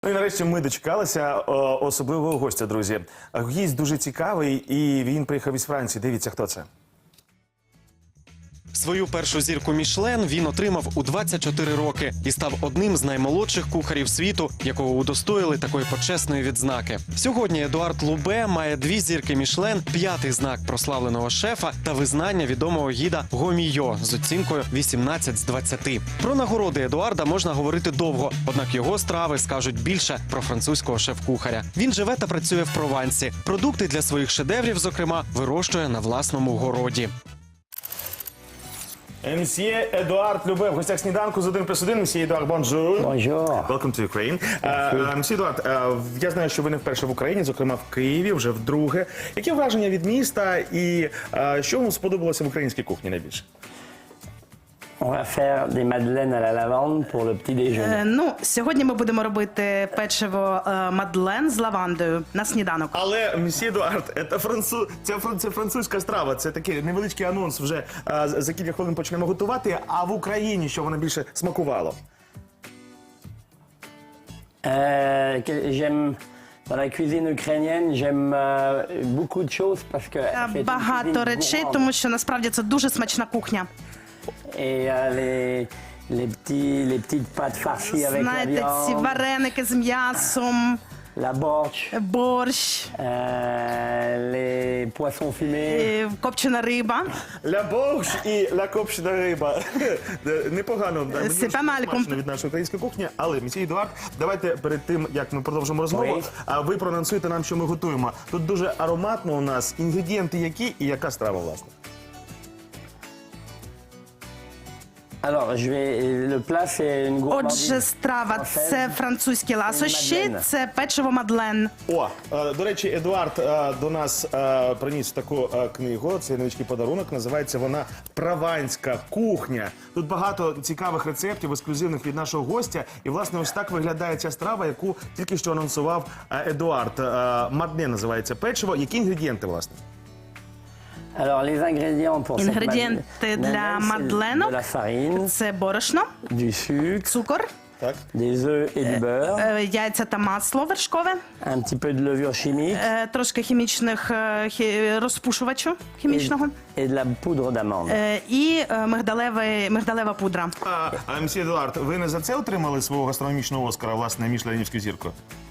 Ну і нарешті ми дочекалися особливого гостя, друзі. Гість дуже цікавий, і він приїхав із Франції. Дивіться, хто це. Свою першу зірку Мішлен він отримав у 24 роки і став одним з наймолодших кухарів світу, якого удостоїли такої почесної відзнаки. Сьогодні Едуард Лубе має 2 зірки Мішлен, 5-й знак прославленого шефа та визнання відомого гіда Гомійо з оцінкою 18 з 20. Про нагороди Едуарда можна говорити довго, однак його страви скажуть більше про французького шеф-кухаря. Він живе та працює в Провансі. Продукти для своїх шедеврів, зокрема, вирощує на власному городі. Мсьє Едуард Любе в гостях сніданку з 1+1. Мсьє Едуард, бонжур. Bonjour. Welcome to Ukraine. Мсьє Едуард, я знаю, що ви не вперше в Україні, зокрема в Києві, вже вдруге. Які враження від міста і що вам сподобалося в українській кухні найбільше? On va faire des madeleines à la lavande pour le petit déjeuner. Ну, сьогодні ми будемо робити печиво мадлен з лавандою на сніданок. Але, мсьє Едуард, це французька страва, це такий невеличкий анонс, вже за кілька хвилин почнемо готувати, а в Україні що вона більше смакувало? J'aime dans la cuisine ukrainienne, j'aime beaucoup de choses parce que c'est une Багато cuisine речей, gourmande. тому що насправді це дуже смачна кухня. Et les petites pâtes farcies avec la Знаєте, ці viande, вареники з м'ясом, la borsch, борщ, les poissons fumés. копчена риба. Ля борщ і ля копчена риба. Непогано. Мені Це дуже памальком. смачно від нашої української кухні. Але, мсьє Едуард, давайте перед тим, як ми продовжимо розмову, Ой. ви проанонсуєте нам, що ми готуємо. Тут дуже ароматно у нас. Інгредієнти які і яка страва, власне? Alors, le plat, c'est une gourmandise. Отже, страва – це французькі ласощі, Мадлен. це печиво мадлен. О, до речі, Едуард до нас приніс таку книгу, це невеличкий подарунок, називається вона «Прованська кухня». Тут багато цікавих рецептів, ексклюзивних від нашого гостя. І, власне, ось так виглядає ця страва, яку тільки що анонсував Едуард. Мадлен називається печиво. Які інгредієнти, власне? Alors, les ingrédients pour cette Інгредієнти madeleine, для c'est мадленок de la farine, – це борошно, du sucre, цукор, Так. des œufs et du beurre, яйця та масло вершкове, un petit peu de levure chimique трошки хімічних розпушувачу хімічного et de la poudre d'amande. і мигдалева пудра. Мсьє Едуард, ви не за це отримали свого гастрономічного Оскара, власне, мішленівську зірку?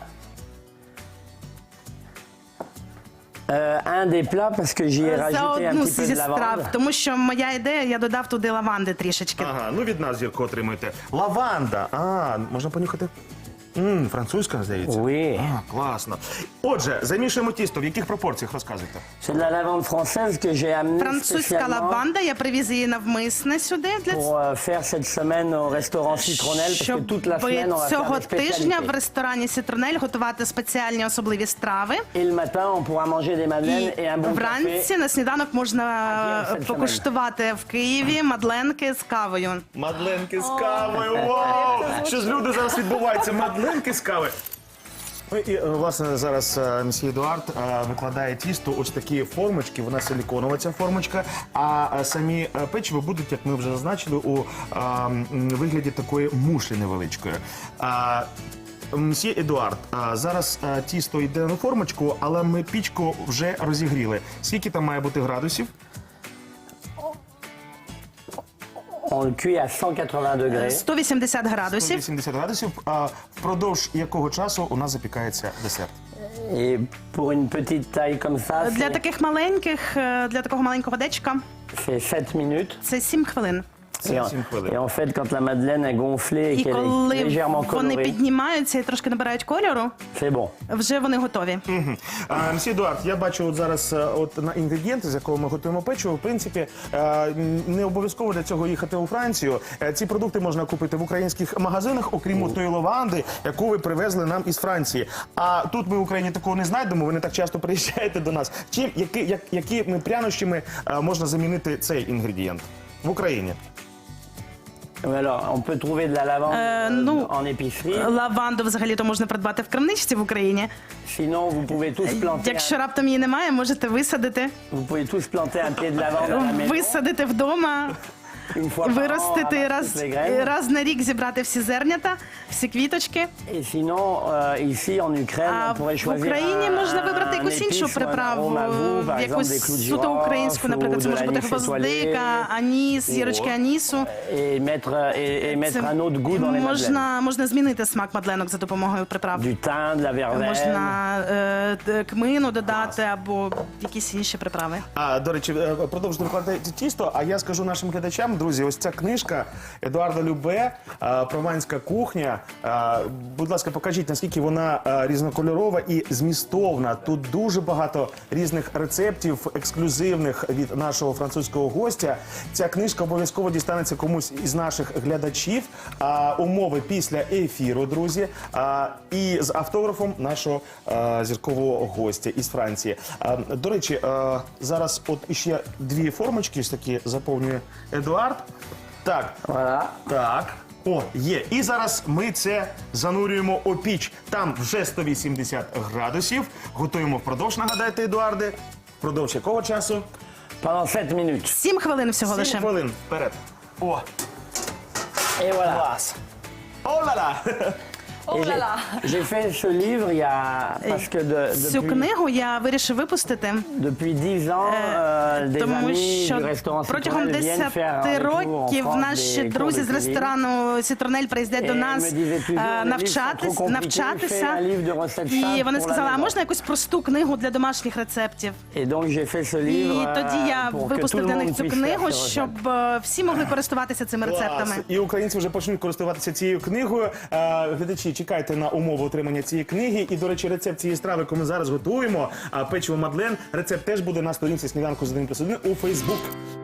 Un des plats parce que j'y ai За rajouté un одну petit peu зі de страв, lavande. тому що моя ідея, я додав туди лаванди трішечки. Ага, ну від нас зірку отримуєте. Лаванда. Можна понюхати? Французька, здається. Oui. Класно. Отже, замішуємо тісто. В яких пропорціях, розказуйте? C'est de la lavande française que j'ai amenée Французька spécialement лаванда, я привіз її навмисне сюди для pour faire cette semaine au restaurant Citronelle parce que щоб toute la semaine on va faire цього des тижня в spécialités. ресторані Сітронель готувати спеціальні особливі страви. Et le matin on pourra manger des madeleines et un І bon вранці café. на сніданок можна покуштувати в Києві мадленки з кавою. Мадленки з кавою. Вау! Що ж люди зараз відбувається? Мадленки з кави. Ну і, власне, зараз мсьє Едуард викладає тісто, ось такі формочки, вона силіконова ця формочка, а самі печиво будуть, як ми вже зазначили, у вигляді такої мушлі невеличкої. Мсьє Едуард, зараз тісто йде на формочку, але ми пічку вже розігріли. Скільки там має бути градусів? On le cuit à 180 degrés. 180 градусів. 180 градусів. Впродовж якого часу у нас запікається десерт? Et pour une petite taille comme ça, Для таких маленьких, для такого маленького дечка c'est 7 minutes. це 7 хвилин. Et 7 хвилин. en fait, quand la madeleine est gonflée et І qu'elle est коли légèrement вони colorée, піднімаються і трошки набирають кольору, c'est bon. вже вони готові. Мсьє Едуард, я бачу от зараз на інгредієнти, з якого ми готуємо печиво. В принципі, не обов'язково для цього їхати у Францію. Ці продукти можна купити в українських магазинах, окрім тої лаванди, яку ви привезли нам із Франції. А тут ми в Україні такого не знайдемо, ви не так часто приїжджаєте до нас. Якими прянощами можна замінити цей інгредієнт в Україні? Alors, on peut trouver de la lavande ну, en épicerie. Лаванду взагалі-то можна придбати в крамничці в Україні. Sinon, vous pouvez tous planter, Якщо раптом її немає, можете висадити. vous pouvez tous planter un pied de lavande à la maison. Висадити вдома. Une fois par an, виростити ramasser toutes les graines. раз на рік зібрати всі зернята, всі квіточки. Et sinon, ici en Ukraine, А on pourrait в choisir Україні можна вибрати un якусь іншу épice ou un приправу, arôme à vous, par exemple des якусь clous de суто українську, girofle наприклад, ou це de може бути l'anis гвоздика, étoilé. аніс, зірочки анісу. et mettre Це un autre goût dans les madeleines. можна змінити смак мадленок за допомогою приправ. Du thym, de la verveine. Можна кмину додати або якісь інші приправи. До речі, продовжуйте викладати тісто, а я скажу нашим глядачам, друзі, ось ця книжка Едуарда Любе «Прованська кухня». Будь ласка, покажіть, наскільки вона різнокольорова і змістовна. Тут дуже багато різних рецептів, ексклюзивних від нашого французького гостя. Ця книжка обов'язково дістанеться комусь із наших глядачів. Умови після ефіру, друзі. І з автографом нашого зіркового гостя із Франції. До речі, зараз от іще дві формочки ось такі заповнює Едуард. Так, Voilà. так. О, є. І зараз ми це занурюємо у піч. Там вже 180 градусів. Готуємо впродовж, нагадайте, Едуарде. Впродовж якого часу? Pendant 7 minutes. 7 хвилин всього 7 лише. хвилин. Вперед. О, Et voilà. клас. О-ла-ла. Et j'ai fait ce livre il y a parce que Цю книгу я вирішив випустити, depuis 10 ans, des тому amis що du restaurant протягом Citronelle 10 viennent faire avec nous en років France наші des cours друзі de з cuisine. ресторану Сітронель приїздять до Et нас me disaient toujours, les livres sont trop compliqués, навчатися. fais un livre de recettes І simples вони pour la сказали, а maison. можна якусь просту книгу для домашніх рецептів? Et donc j'ai fait ce І livre тоді я pour que tout випустив le для monde них цю puisse книгу, faire ce щоб всі могли користуватися цими рецептами. Клас. І українці вже почнуть користуватися цією книгою. Глядачі, чекайте на умови отримання цієї книги. І, до речі, рецепт цієї страви, яку ми зараз готуємо, печиво Мадлен, рецепт теж буде на сторінці «Сніданку з 1+1» у Фейсбук.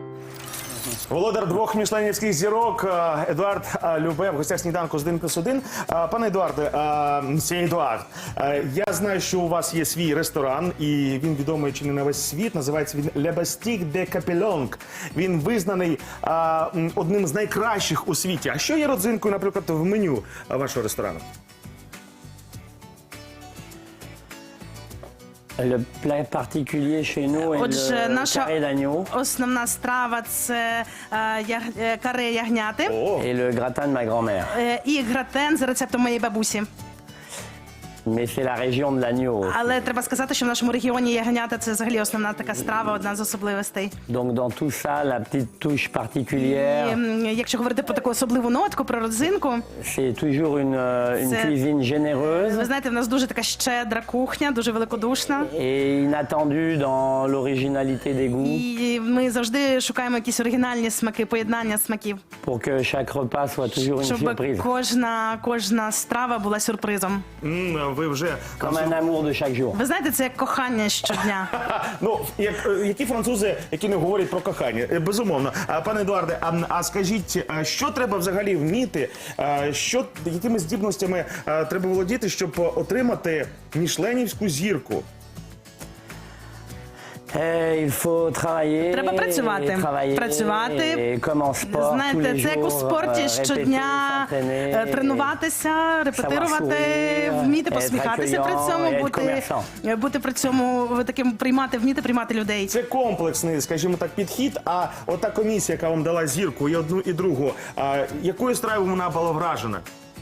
Володар 2 мішленівських зірок Едуард Любе в гостях «Сніданку з 1+1». Пане Едуарде, мсьє Едуард, я знаю, що у вас є свій ресторан, і він відомий чи не на весь світ. Називається він «Le Bastique de Capelongue». Він визнаний одним з найкращих у світі. А що є родзинкою, наприклад, в меню вашого ресторану? Le plat particulier chez nous est Отже, le наша carré d'agneau основна страва – це каре ягняти et le gratin de ma grand-mère. і гратен за рецептом моєї бабусі. Mais c'est la région de l'agneau. Але треба сказати, що в нашому регіоні ягнята – це взагалі основна така страва, одна з особливостей. Donc dans tout ça, la petite touche І particulière, якщо говорити про таку особливу нотку, про родзинку, c'est toujours une C'est- cuisine généreuse ви знаєте, в нас дуже така щедра кухня, дуже великодушна. et inattendue dans l'originalité des goûts І ми завжди шукаємо якісь оригінальні смаки, поєднання смаків, pour que chaque repas soit toujours une щоб surprise. кожна страва була сюрпризом. Ви вже... Comme un amour de chaque jour. Ви знаєте, це як кохання щодня. Ну, які французи, які не говорять про кохання? Безумовно. Пане Едуарде, а скажіть, що треба взагалі вміти, якими здібностями треба володіти, щоб отримати мішленівську зірку? Il faut travailler. Треба працювати. Працювати. Et comme en sport, tous Знаєте, les це як у jours, спорті répéter, щодня s'entraîner, тренуватися, репетирувати, sourire, вміти être посміхатися при accueillant, цьому, être бути при цьому таким вміти приймати людей. Це комплексний, скажімо так, підхід. А ота комісія, яка вам дала зірку, і одну, і другу, якою стравою вона була вражена?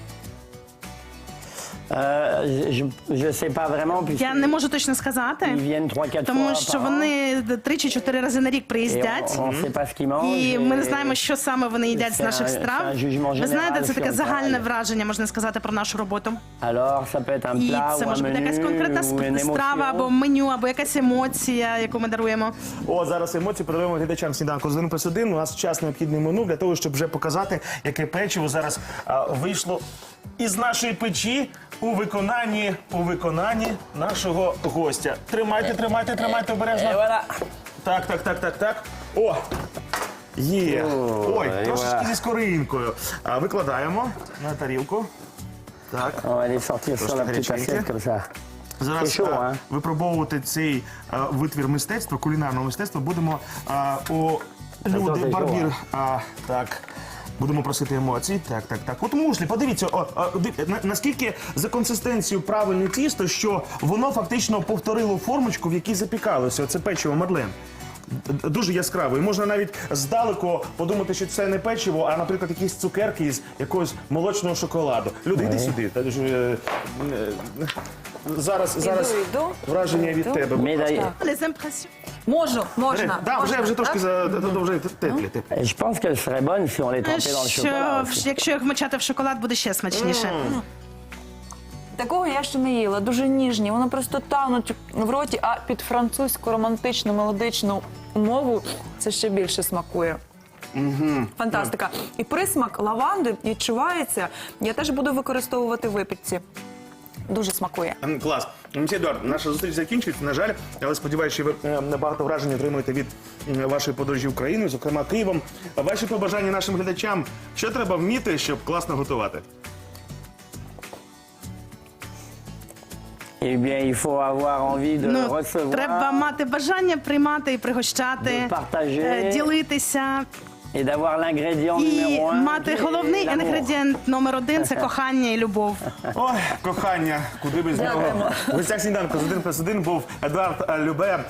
Je sais pas vraiment, puisque Я не можу точно сказати, ils viennent 3-4 тому fois що par an. вони 3 чи 4 рази на рік Et приїздять. on sait pas ce qu'ils mangent. І ми не знаємо, що саме вони їдять з Це наших un страв. jugement Ви знаєте, це général таке sur le загальне travail. враження, можна сказати, про нашу роботу. Alors, ça peut être un І plat це ou un може бути якась menu конкретна ou une страва або émotion. меню, або якась емоція, яку ми даруємо. О, зараз емоції передаємо глядачам «Сніданку з 1+1». У нас час необхідний меню для того, щоб вже показати, яке печиво зараз вийшло із нашої печі у виконанні нашого гостя. Тримайте обережно. Et voilà. Так. О! Є. Ой, Ой, трошечки ва. зі скоринкою. Викладаємо на тарілку. Так. On va les sortir sur la petite Горяченьке. assiette comme ça. Зараз Це що, а? випробовувати цей витвір мистецтва, кулінарного мистецтва будемо у люди це барбір. що? Так. Будемо просити емоцій. Так. От мушлі, подивіться, наскільки за консистенцією правильне тісто, що воно фактично повторило формочку, в якій запікалося. Це печиво Мадлен. дуже яскравий. Можна навіть здалеку подумати, що це не печиво, а, наприклад, якісь цукерки із якогось молочного шоколаду. Люди, йди сюди. Зараз Іду. враження від тебе. Mais d'ailleurs, Les impressions. Можна. Да, вже трошки вже теплі. je pense qu'elle serait bonne si on les trempait dans le chocolat. aussi. Якщо їх вмочати в шоколад, буде ще смачніше. Такого я ще не їла, дуже ніжні. Вони просто тануть в роті, а під французьку романтичну мелодичну мову це ще більше смакує. Фантастика. І присмак лаванди відчувається. Я теж буду використовувати в випічці. Дуже смакує. Клас. Мсьє Едуард, наша зустріч закінчується, на жаль, але сподіваюся, що ви багато вражень отримуєте від вашої подорожі Україною, зокрема Києвом. Ваші побажання нашим глядачам, що треба вміти, щоб класно готувати? Eh bien, il faut avoir envie de Ну, recevoir. треба мати бажання приймати і пригощати, De partager. ділитися. Et d'avoir l'ingrédient І numéro 1. мати головний інгредієнт номер 1 – це кохання і любов. Ой, кохання, куди без нього. В гостях сніданку з 1+1 був Едуард Любе,